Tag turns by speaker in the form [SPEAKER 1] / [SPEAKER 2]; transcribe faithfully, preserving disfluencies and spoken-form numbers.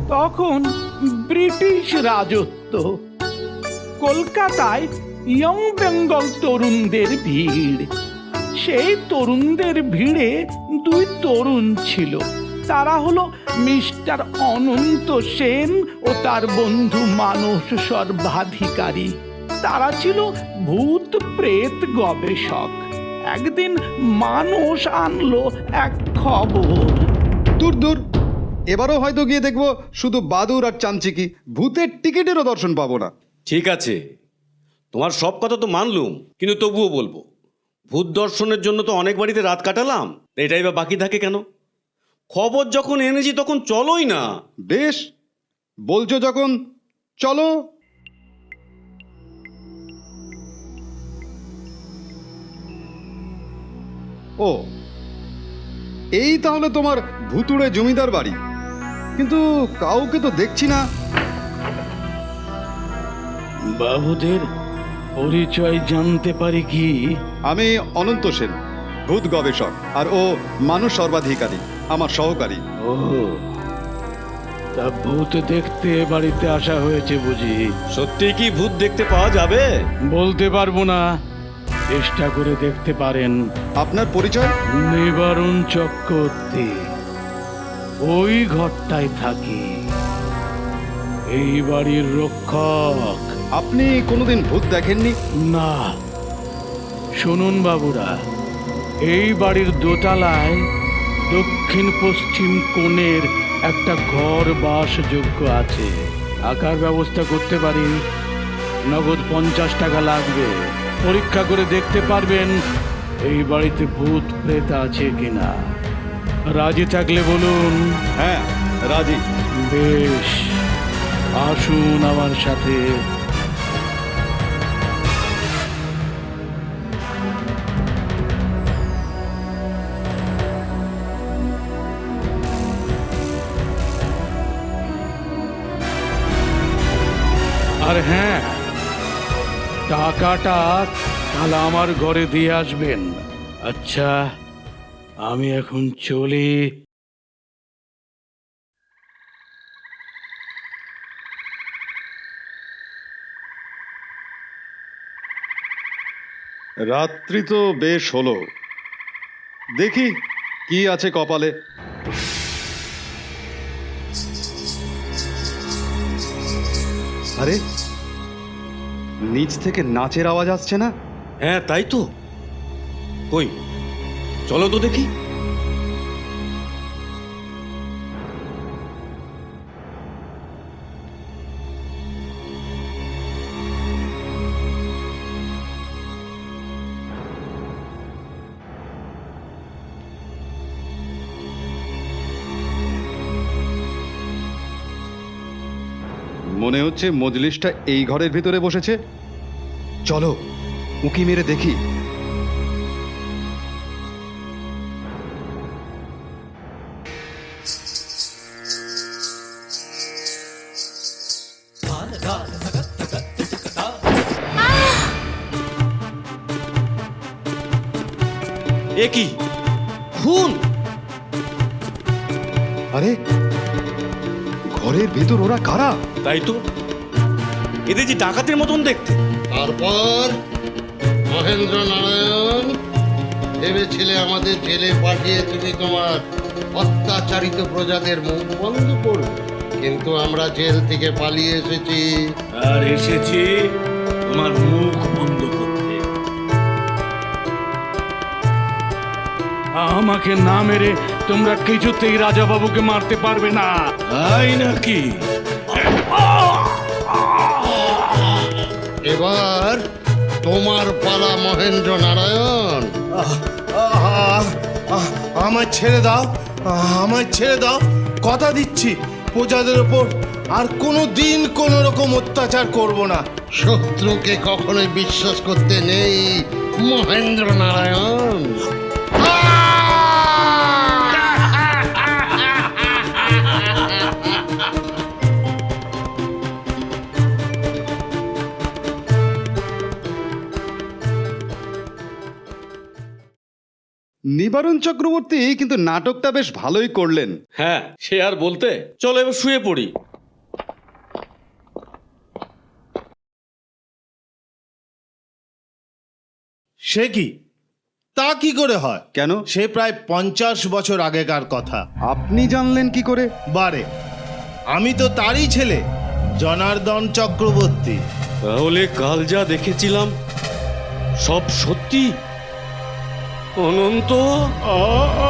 [SPEAKER 1] তখন ব্রিটিশ রাজত্ব। কলকাতায় ইয়ং বেঙ্গল তরুণদের ভিড়। সেই তরুণদের ভিড়ে দুই তরুণ ছিল। তারা হলো মিস্টার অনন্ত সেন ও তার বন্ধু মানস সর্বাধিকারী। তারা ছিল ভূত প্রেত গবেষক। একদিন মানস আনলো এক খবর।
[SPEAKER 2] দূর দূর, এবারও হয়তো গিয়ে দেখবো শুধু বাদুর আর চামচিকি, ভূতের টিকিটেরও দর্শন পাবো না।
[SPEAKER 3] ঠিক আছে, তোমার সব কথা তো মানলুম, কিন্তু তবুও বলবো, ভূত দর্শনের জন্য তো অনেক বাড়িতে রাত কাটালাম, এটাই বা বাকি থাকে কেন? খবর যখন এনেছি তখন চলোই না।
[SPEAKER 2] বেশ, বলছো যখন, চলো। ও, এই তাহলে তোমার ভুতুড়ে জমিদার বাড়ি, কিন্তু কাউকে তো দেখছি না।
[SPEAKER 1] বাবুদের পরিচয় জানতে পারি কি?
[SPEAKER 2] আমি অনন্ত সেন, ভূত গবেষক, আর ও মানুষ সর্বাধিকারী, আমার সহকারী।
[SPEAKER 1] ও, তা ভূত দেখতে বাড়িতে আসা হয়েছে বুঝি?
[SPEAKER 3] সত্যি কি ভূত দেখতে পাওয়া যাবে?
[SPEAKER 1] বলতে পারবো না, চেষ্টা করে দেখতে পারেন।
[SPEAKER 2] আপনার পরিচয়?
[SPEAKER 1] নিবারণ চক্রবর্তী, ওই ঘরটায় থাকি, এই বাড়ির রক্ষক।
[SPEAKER 2] আপনি কোনোদিন ভূত দেখেননি?
[SPEAKER 1] না। শুনুন বাবুরা, এই বাড়ির দোতলায় দক্ষিণ পশ্চিম কোণের একটা ঘর বাসযোগ্য আছে। থাকার ব্যবস্থা করতে পারি, নগদ পঞ্চাশ টাকা লাগবে। পরীক্ষা করে দেখতে পারবেন এই বাড়িতে ভূত প্রেত আছে কিনা। রাজি থাকলে বলুন।
[SPEAKER 2] হ্যাঁ, রাজি।
[SPEAKER 1] বেশ, আসুন আমার সাথে। আর হ্যাঁ, টাকাটা কাল আমার ঘরে দিয়ে আসবেন। আচ্ছা, আমি এখন চলি।
[SPEAKER 2] রাত্রি তো বেশ হলো, দেখি কি আছে কপালে। আরে, নিচ থেকে নাচের আওয়াজ আসছে না?
[SPEAKER 3] হ্যাঁ তাই তো। কই, চলো তো দেখি।
[SPEAKER 2] মনে হচ্ছে মজলিসটা এই ঘরের ভিতরে বসেছে। চলো উঁকি মেরে দেখি।
[SPEAKER 3] এ কি খুন?
[SPEAKER 2] আরে, ঘরের ভিতর ওরা কারা?
[SPEAKER 3] তাই তো, এদের যে ডাকাতের মতন দেখতে।
[SPEAKER 4] তারপর মহেন্দ্র নারায়ণ, ভেবেছিলে আমাদের জেলে পাঠিয়ে তুমি তোমার অত্যাচারিত প্রজাদের মুখ বন্ধ করবে, কিন্তু আমরা জেল থেকে পালিয়ে এসেছি।
[SPEAKER 1] আর এসেছি তোমার মুখ বন্ধ করতে। আমাকে না মেরে তোমরা কিছুতেই রাজা বাবুকে মারতে পারবে না, তাই নাকি?
[SPEAKER 4] এবার তোমার পালা মহেন্দ্র নারায়ণ।
[SPEAKER 5] আমায় ছেড়ে দাও, আমায় ছেড়ে দাও, কথা দিচ্ছি প্রজাদের ওপর আর কোনো দিন কোনো রকম অত্যাচার করব না।
[SPEAKER 4] শত্রুকে কখনোই বিশ্বাস করতে নেই মহেন্দ্র নারায়ণ।
[SPEAKER 2] নিবারণ চক্রবর্তী কিন্তু নাটকটা বেশ ভালোই করলেন।
[SPEAKER 3] হ্যাঁ, সে আর বলতে। চলো এবার শুয়ে পড়ি।
[SPEAKER 5] সে কি, তা কি করে হয়?
[SPEAKER 2] কেন?
[SPEAKER 5] সে প্রায় পঞ্চাশ বছর আগেকার কথা।
[SPEAKER 2] আপনি জানলেন কি করে?
[SPEAKER 5] বারে, আমি তো তারই ছেলে, জনার্দন চক্রবর্তী।
[SPEAKER 3] তাহলে কাল যা দেখেছিলাম সব সত্যি? অনন্ত,
[SPEAKER 1] আ-